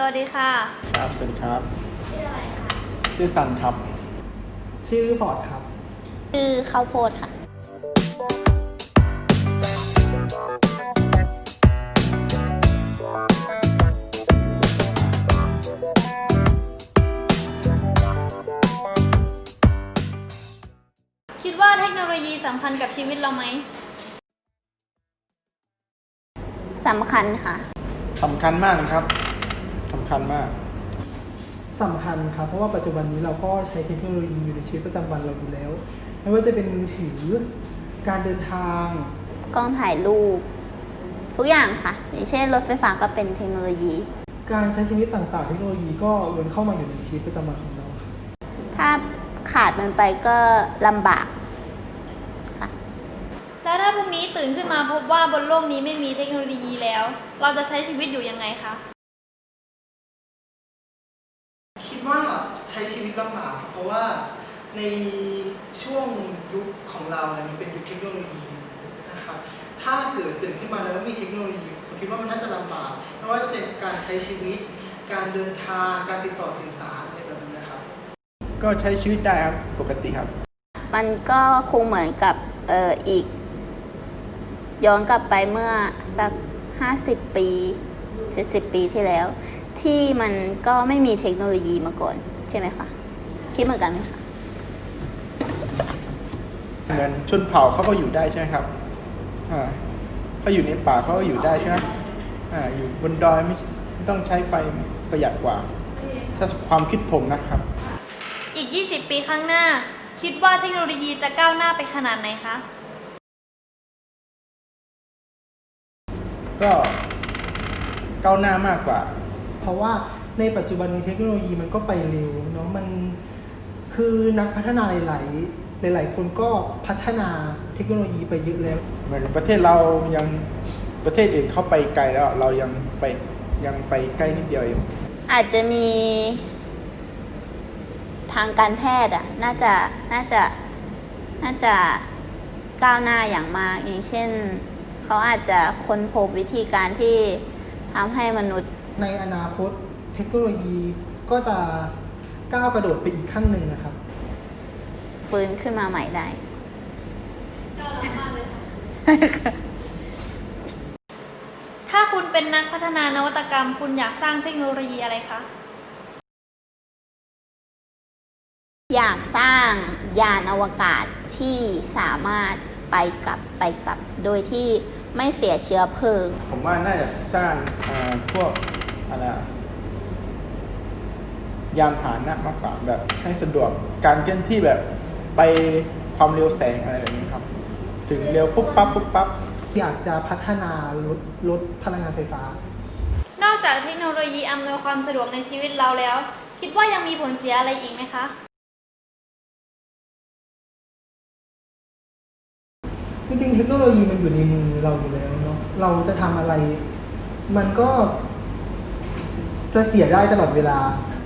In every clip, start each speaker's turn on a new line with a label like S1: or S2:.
S1: วัสดีค่ะ
S2: ครับสวัสดีครับ
S1: ชื่ออะไรคะ
S2: ชื่อซันครับ
S3: ชื่อฟอร์ดครับ
S1: ชื่อข้าวโพดค่ะคิดว่าเทคโนโลยีสำคัญกับชีวิตเราไหม
S4: สำคัญค่ะ
S2: สำคัญมากนะครับสำคัญมาก
S3: สำคัญครับเพราะว่าปัจจุบันนี้เราก็ใช้เทคโนโลยีอยู่ในชีวิตประจำวันเราอยู่แล้วไม่ว่าจะเป็นมือถือการเดินทาง
S4: กล้องถ่ายรูปทุกอย่างค่ะอย่างเช่นรถไฟฟ้าก็เป็นเทคโนโลยี
S3: การใช้ชีวิตต่างๆเทคโนโลยีก็ล้วนเข้ามาอยู่ในชีวิตประจำวันของเรา
S4: ถ้าขาดมันไปก็ลำบากค่ะ
S1: แล้วถ้าพรุ่งนี้ตื่นขึ้นมาพบว่าบนโลกนี้ไม่มีเทคโนโลยีแล้วเราจะใช้ชีวิตอยู่ยังไงคะ
S3: คิดว่าใช้ชีวิตลำบากเพราะว่าในช่วงยุคของเราเนี่ยมันเป็นยุคเทคโนโลยีนะครับถ้าเกิดตื่นขึ้นมาแล้วไม่มีเทคโนโลยีผมคิดว่ามันน่าจะลำบากไม่ว่าจะเป็นการใช้ชีวิตการเดินทางการติดต่อสื่อสารอะไรแบบนี้นะครับ
S2: ก็ใช้ชีวิตได้ครับปกติครับ
S4: มันก็คงเหมือนกับอีกย้อนกลับไปเมื่อสัก50 ปี70 ปีที่แล้วที่มันก็ไม่มีเทคโนโลยีมาก่อนใช่ไหมคะคิดเหมือนกันไหมคะ
S2: เหมือนชนเผ่าเขาก็อยู่ได้ใช่ไหมครับเขาอยู่ในป่าเขาก็อยู่ได้ใช่ไหมอยู่บนดอยไม่ต้องใช้ไฟประหยัดกว่าถ้าความคิดผมนะครับ
S1: อีก20 ปีข้างหน้าคิดว่าเทคโนโลยีจะก้าวหน้าไปขนาดไหนคะ
S2: ก็ก้าวหน้ามากกว่า
S3: เพราะว่าในปัจจุบันเทคโนโลยีมันก็ไปเร็วเนาะมันคือนักพัฒนาหลายคนก็พัฒนาเทคโนโลยีไปเยอะแล้ว
S2: เหมือนประเทศเรายังประเทศอื่นเข้าไปไกลแล้วเรายังไปใกล้นิดเดียวเอง
S4: อาจจะมีทางการแพทย์น่าจะก้าวหน้าอย่างมากอย่างเช่นเขาอาจจะค้นพบวิธีการที่ทำให้มนุษย์
S3: ในอนาคตเทคโนโลยีก็จะก้าวกระโดดไปอีกขั้นหนึ่งนะครับ
S4: ฟื้นขึ้นมาใหม่ได้
S1: ก้าวล้ำมากเลยค่ะ
S4: ใช่ค่ะ
S1: ถ้าคุณเป็นนักพัฒนานวัตกรรมคุณอยากสร้างเทคโนโลยีอะไรคะ
S4: อยากสร้างยานอวกาศที่สามารถไปกลับโดยที่ไม่เสียเชื้อเพลิง
S2: ผมว่าน่าจะสร้างพวกอะไรยานพาหนะมากกว่าแบบให้สะดวกการเคลื่อนที่แบบไปความเร็วแสงอะไรแบบนี้ครับถึงเร็วปุ๊บปั๊บ
S3: อยากจะพัฒนารถพลังงานไฟฟ้าน
S1: อกจากเทคโนโลยีอำนวยความสะดวกในชีวิตเราแล้วคิดว่ายังมีผลเสียอะไรอีกไหมคะ
S3: จริงๆเทคโนโลยีมันอยู่ในมือเราอยู่แล้วเนาะเราจะทำอะไรมันก็จะเสียได้ตลอดเวลา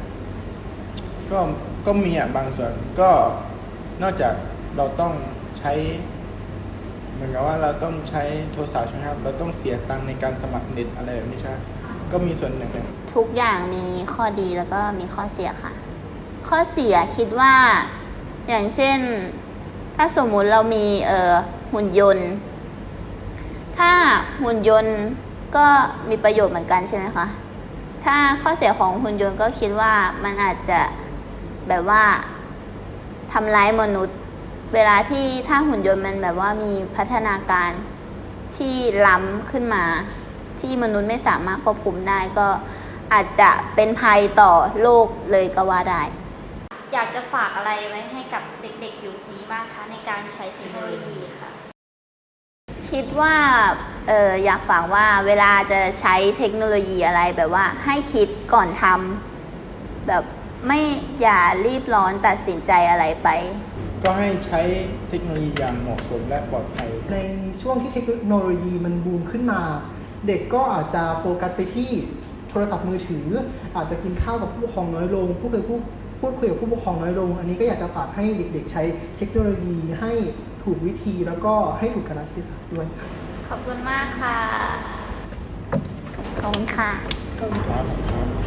S2: ก็มีบางส่วนก็นอกจากเราต้องใช้เหมือนกับว่าเราต้องใช้โทรศัพท์ใช่ไหมครับเราต้องเสียตังค์ในการสมัครเน็ตอะไรแบบนี้ใช่ไหมก็มีส่วนหนึ่ง
S4: ทุกอย่างมีข้อดีแล้วก็มีข้อเสียค่ะข้อเสียคิดว่าอย่างเช่นถ้าสมมุติเรามีหุ่นยนต์ถ้าหุ่นยนต์ก็มีประโยชน์เหมือนกันใช่ไหมคะถ้าข้อเสียของหุ่นยนต์ก็คิดว่ามันอาจจะแบบว่าทำร้ายมนุษย์เวลาที่ถ้าหุ่นยนต์มันแบบว่ามีพัฒนาการที่ล้ำขึ้นมาที่มนุษย์ไม่สามารถควบคุมได้ก็อาจจะเป็นภัยต่อโลกเลยก็ว่าได้
S1: อยากจะฝากอะไรไว้ให้กับเด็กๆยุคนี้บ้างคะในการใช้เทคโนโลยีค่ะ
S4: คิดว่าอยากฝากว่าเวลาจะใช้เทคโนโลยีอะไรแบบว่าให้คิดก่อนทำแบบไม่อย่ารีบร้อนตัดสินใจอะไรไป
S2: ก็ให้ใช้เทคโนโลยีอย่างเหมาะสมและปลอดภัย
S3: ในช่วงที่เทคโนโลยีมันบูมขึ้นมาเด็กก็อาจจะโฟกัสไปที่โทรศัพท์มือถืออาจจะกินข้าวกับผู้ปกครองน้อยลงพูดคุยกับผู้ปกครองน้อยลงอันนี้ก็อยากจะฝากให้เด็กๆใช้เทคโนโลยีให้ถูกวิธีแล้วก็ให้ถูกกาลเทศะด้วย
S1: ขอบคุณมากค่ะ
S4: ขอบคุณค่ะ
S2: ขอบคุณครับ